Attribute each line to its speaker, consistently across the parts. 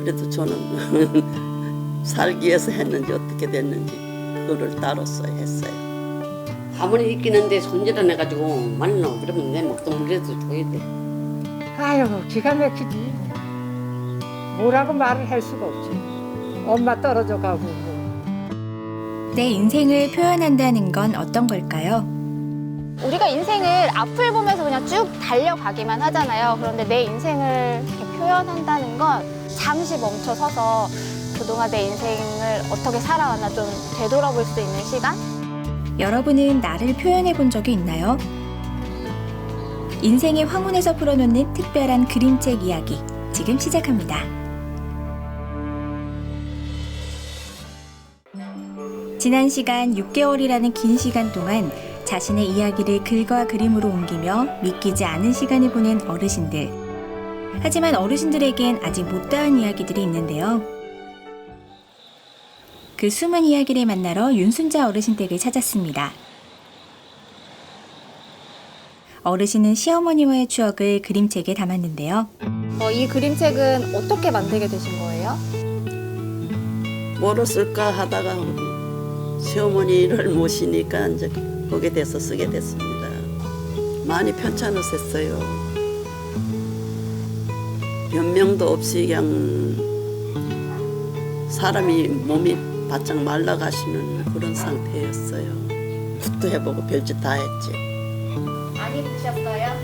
Speaker 1: 그래도 저는 살기 위해서 했는지 어떻게 됐는지 그거를 따로서 했어요.
Speaker 2: 가만히 있기는데 손질을 해가지고 말로 그러면 내 먹동무리라도 줘야 돼.
Speaker 3: 아유, 기가 막히지. 뭐라고 말을 할 수가 없지. 엄마 떨어져 가고 뭐.
Speaker 4: 내 인생을 표현한다는 건 어떤 걸까요?
Speaker 5: 우리가 인생을 앞을 보면서 그냥 쭉 달려가기만 하잖아요. 그런데 내 인생을 이렇게 표현한다는 건 잠시 멈춰서서 그동안 내 인생을 어떻게 살아왔나 좀 되돌아볼 수 있는 시간?
Speaker 4: 여러분은 나를 표현해 본 적이 있나요? 인생의 황혼에서 풀어놓는 특별한 그림책 이야기 지금 시작합니다. 지난 시간 6개월이라는 긴 시간 동안 자신의 이야기를 글과 그림으로 옮기며 믿기지 않은 시간을 보낸 어르신들. 하지만 어르신들에겐 아직 못다한 이야기들이 있는데요. 그 숨은 이야기를 만나러 윤순자 어르신 댁을 찾았습니다. 어르신은 시어머니와의 추억을 그림책에 담았는데요.
Speaker 5: 이 그림책은 어떻게 만들게 되신 거예요?
Speaker 1: 뭐로 쓸까 하다가 시어머니를 모시니까 이제 거기에 대해서 쓰게 됐습니다. 많이 편찮으셨어요. 변명도 없이 그냥 사람이 몸이 바짝 말라가시는 그런 상태였어요. 굿도 해보고 별짓 다 했지.
Speaker 5: 많이 드셨어요?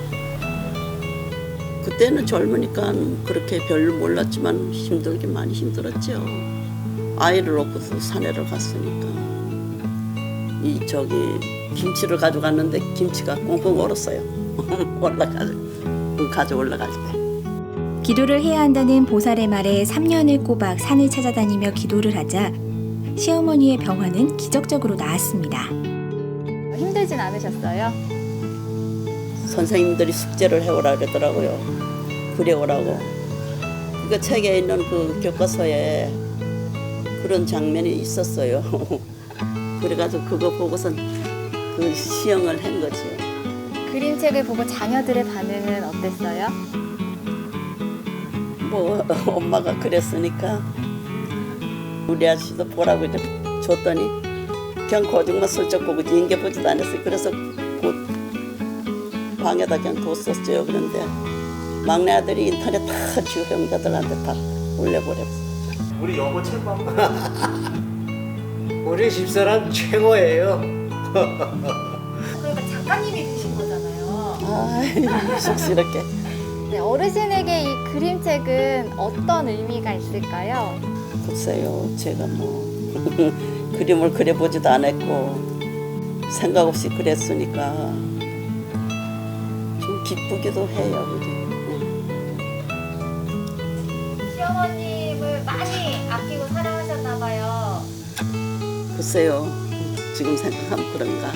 Speaker 1: 그때는 젊으니까 그렇게 별로 몰랐지만 힘들긴 많이 힘들었죠. 아이를 놓고 산에를 갔으니까. 이 저기 김치를 가져갔는데 김치가 꽁꽁 얼었어요. 가져 올라갈 때.
Speaker 4: 기도를 해야 한다는 보살의 말에 3년을 꼬박 산을 찾아다니며 기도를 하자 시어머니의 병화는 기적적으로 나았습니다.
Speaker 5: 힘들진 않으셨어요?
Speaker 1: 선생님들이 숙제를 해오라 그러더라고요. 그려오라고. 그 책에 있는 그 교과서에 그런 장면이 있었어요. 그래가지고 그거 보고선 그 시형을 한 거죠.
Speaker 5: 그림책을 보고 자녀들의 반응은 어땠어요?
Speaker 1: 뭐 엄마가 그랬으니까 우리 아저씨도 보라고 이제 줬더니 그냥 거짓말 슬쩍 보고 인계보지도 않았어요. 그래서 곧 방에다 그냥 뒀었어요. 그런데 막내 아들이 인터넷 다 지우 형제들한테 다 올려버렸어요.
Speaker 6: 우리 여보 최고. 우리 집사람 최고예요.
Speaker 5: 그러니까 작가님이 되신 거잖아요.
Speaker 1: 아이 쑥스럽게.
Speaker 5: 네, 어르신에게 이 그림책은 어떤 의미가 있을까요?
Speaker 1: 글쎄요, 제가 뭐 그림을 그려보지도 않았고 생각 없이 그랬으니까 좀 기쁘기도 해요.
Speaker 5: 시어머님을 많이 아끼고 사랑하셨나 봐요.
Speaker 1: 글쎄요, 지금 생각하면 그런가.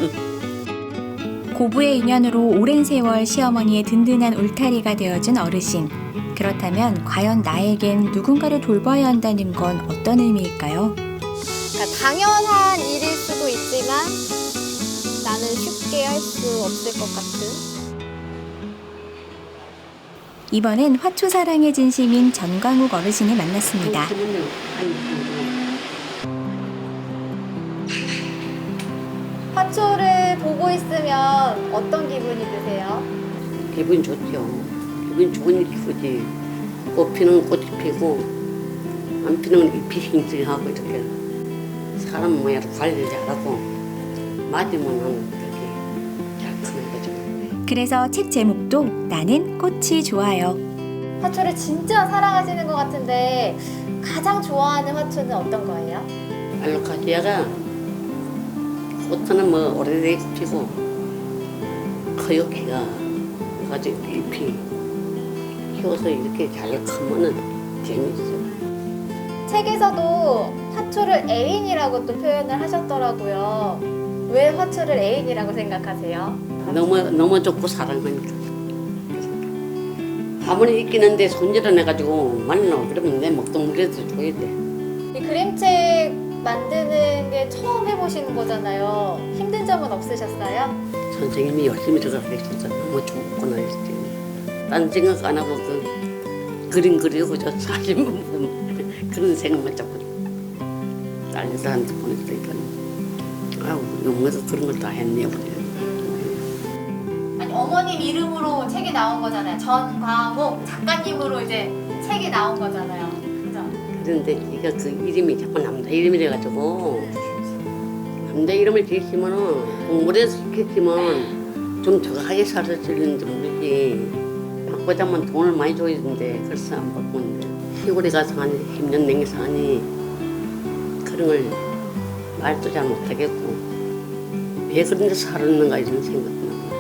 Speaker 4: 고부의 인연으로 오랜 세월 시어머니의 든든한 울타리가 되어준 어르신. 그렇다면 과연 나에겐 누군가를 돌봐야 한다는 건 어떤 의미일까요?
Speaker 5: 그러니까 당연한 일일 수도 있지만 나는 쉽게 할 수 없을 것 같은.
Speaker 4: 이번엔 화초 사랑의 진심인 전광욱 어르신을 만났습니다.
Speaker 5: 화초를 보고 있으면 어떤 기분이 드세요?
Speaker 2: 기분 좋죠. 기분 좋은 기분이지. 꽃 피는 꽃이 피고 안 피는 잎이 싱싱하고 이렇게 사람 모양으로 관리를 잘하고 맞으면 그렇게 잘 크는 거죠.
Speaker 4: 그래서 책 제목도 나는 꽃이 좋아요.
Speaker 5: 화초를 진짜 사랑하시는 것 같은데 가장 좋아하는 화초는 어떤 거예요?
Speaker 2: 알로카시아가 꽃은 뭐 오래되게 피고 커요 키가 가지고 잎이 키워서 이렇게 잘 크면은 재밌어요.
Speaker 5: 책에서도 화초를 애인이라고 또 표현을 하셨더라고요. 왜 화초를 애인이라고 생각하세요?
Speaker 2: 너무 좋고 사랑하니까. 가만히 있기는데 손질을 해가지고 말로 그러면 내 먹동무리라도 줘야 돼.
Speaker 5: 이 그림책 만드는 게 처음 해보시는 거잖아요. 힘든 점은 없으셨어요?
Speaker 2: 선생님이 열심히 들어가서 있어서 너무 좋구나 했지. 딴 생각 안 하고 그 그림 그리고 저 사진 보면 그런 생각만 자꾸 딸들한테 보냈으니까 아우 용에서 그런 걸 다 했네요.
Speaker 5: 아니 어머님 이름으로 책이 나온 거잖아요. 전광옥 작가님으로 이제 책이 나온 거잖아요. 그죠?
Speaker 2: 그런데 이게 그 이름이 자꾸 남자 이름이래 가지고 남자 이름을 지으시면은 공부를 해서 시켰지만 좀 정확하게 살았을는지 모르지. 바꾸자면 돈을 많이 줘야 되는데 그래서 안 바꾸는데 시골에 가서 한 10년 냉겨서 하니 그런 걸 말도 잘 못하겠고 왜 그런 데 살았는가 이런 생각도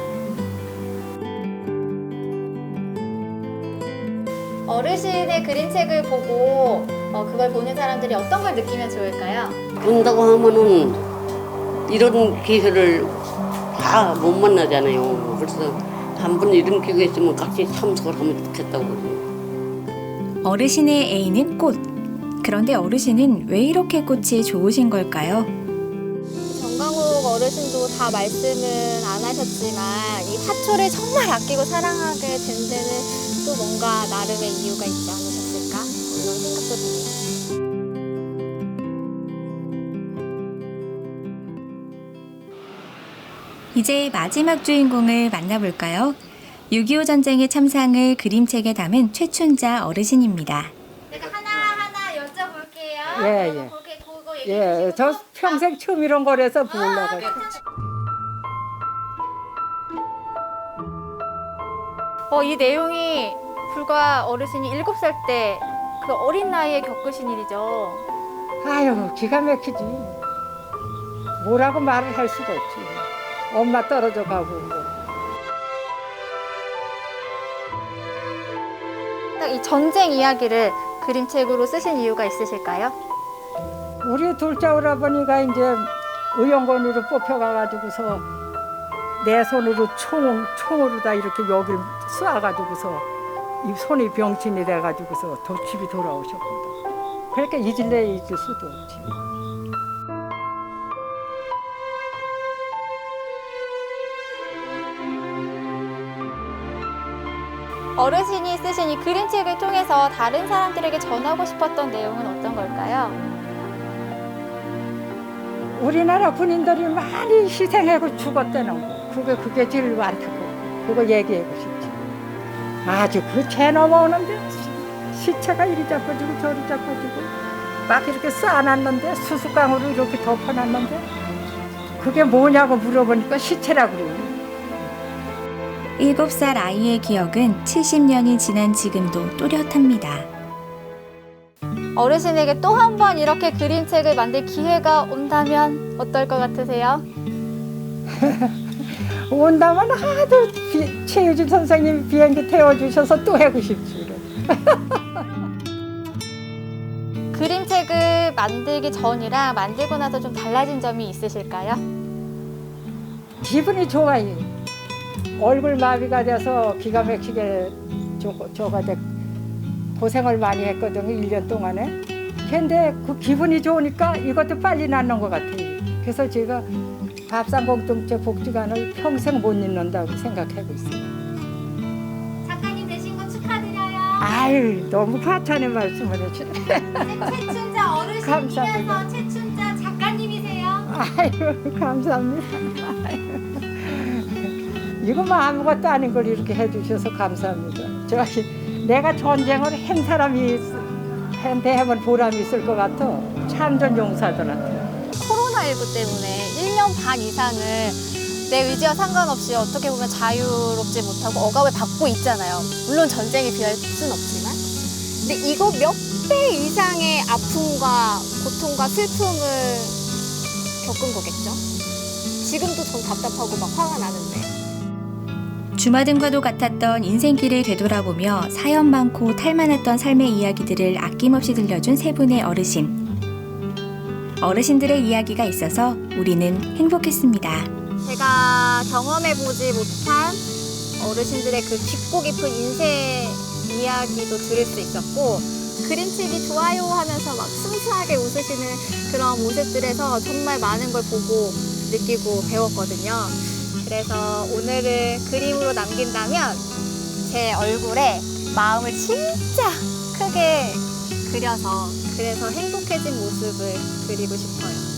Speaker 2: 나고.
Speaker 5: 어르신의 그림책을 보고 그걸 보는 사람들이 어떤 걸 느끼면 좋을까요?
Speaker 2: 본다고 하면은 이런 기회를 다 못 만나잖아요. 그래서 한 번 이런 기회가 있으면 같이 참석을 하면 좋겠다고 그러죠.
Speaker 4: 어르신의 애인은 꽃. 그런데 어르신은 왜 이렇게 꽃이 좋으신 걸까요?
Speaker 5: 정강욱 어르신도 다 말씀은 안 하셨지만 이 화초를 정말 아끼고 사랑하게 된 데는 또 뭔가 나름의 이유가 있지 않으셨을까? 이런 생각도 드네요.
Speaker 4: 이제 마지막 주인공을 만나볼까요? 6.25 전쟁의 참상을 그림책에 담은 최춘자 어르신입니다.
Speaker 5: 내가 하나하나 여쭤볼게요.
Speaker 3: 예, 예.
Speaker 5: 그거 얘기해
Speaker 3: 예,
Speaker 5: 주시고
Speaker 3: 저 평생 처음 이런 거라서 보려고.
Speaker 5: 이 내용이 불과 어르신이 7살 때 그 어린 나이에 겪으신 일이죠.
Speaker 3: 아유, 기가 막히지. 뭐라고 말을 할 수가 없지. 엄마 떨어져 가고 뭐.
Speaker 5: 딱 이 전쟁 이야기를 그림책으로 쓰신 이유가 있으실까요?
Speaker 3: 우리 둘째 오라버니가 이제 의원권으로 뽑혀가가지고서 내 손으로 총으로 다 이렇게 여기를 쏴가지고서 이 손이 병신이 돼가지고서 집이 돌아오셨거든. 그러니까 잊을 수도 없지.
Speaker 5: 어르신이 쓰신 이 그림책을 통해서 다른 사람들에게 전하고 싶었던 내용은 어떤 걸까요?
Speaker 3: 우리나라 군인들이 많이 희생하고 죽었다는 거. 그게 제일 많다고. 그거 얘기하고 싶지. 아주 그 재 넘어오는데 시체가 이리 잡아지고 저리 잡아지고 막 이렇게 쌓아놨는데 수수깡으로 이렇게 덮어놨는데 그게 뭐냐고 물어보니까 시체라고 그래요.
Speaker 4: 7살 아이의 기억은 70년이 지난 지금도 또렷합니다.
Speaker 5: 어르신에게 또 한 번 이렇게 그림책을 만들 기회가 온다면 어떨 것 같으세요?
Speaker 3: 온다면 하도 최유진 선생님이 비행기 태워주셔서 또 하고 싶지.
Speaker 5: 그림책을 만들기 전이랑 만들고 나서 좀 달라진 점이 있으실까요?
Speaker 3: 기분이 좋아요. 얼굴 마비가 돼서 기가 막히게 저가 고생을 많이 했거든요. 1년 동안에. 근데 그 기분이 좋으니까 이것도 빨리 낫는 것 같아요. 그래서 제가 밥상공동체 복지관을 평생 못 잊는다고 생각하고 있어요.
Speaker 5: 작가님 되신 거 축하드려요.
Speaker 3: 아유, 너무 과찬의 말씀을 해주네.
Speaker 5: 최춘자
Speaker 3: 감사합니다.
Speaker 5: 어르신이면서 최춘자 작가님이세요.
Speaker 3: 아유, 감사합니다. 아유. 이거 뭐 아무것도 아닌 걸 이렇게 해주셔서 감사합니다. 내가 전쟁을 한 사람이 해본 보람이 있을 것 같아. 참전 용사들한테.
Speaker 5: 코로나19 때문에 1년 반 이상을 내 의지와 상관없이 어떻게 보면 자유롭지 못하고 억압을 받고 있잖아요. 물론 전쟁에 비할 수는 없지만. 근데 이거 몇 배 이상의 아픔과 고통과 슬픔을 겪은 거겠죠? 지금도 전 답답하고 막 화가 나는데.
Speaker 4: 주마등과도 같았던 인생길을 되돌아보며 사연 많고 탈 많았던 삶의 이야기들을 아낌없이 들려준 세 분의 어르신. 어르신들의 이야기가 있어서 우리는 행복했습니다.
Speaker 5: 제가 경험해보지 못한 어르신들의 그 깊고 깊은 인생 이야기도 들을 수 있었고 그림책이 좋아요 하면서 막 순수하게 웃으시는 그런 모습들에서 정말 많은 걸 보고 느끼고 배웠거든요. 그래서 오늘을 그림으로 남긴다면 제 얼굴에 마음을 진짜 크게 그려서 그래서 행복해진 모습을 그리고 싶어요.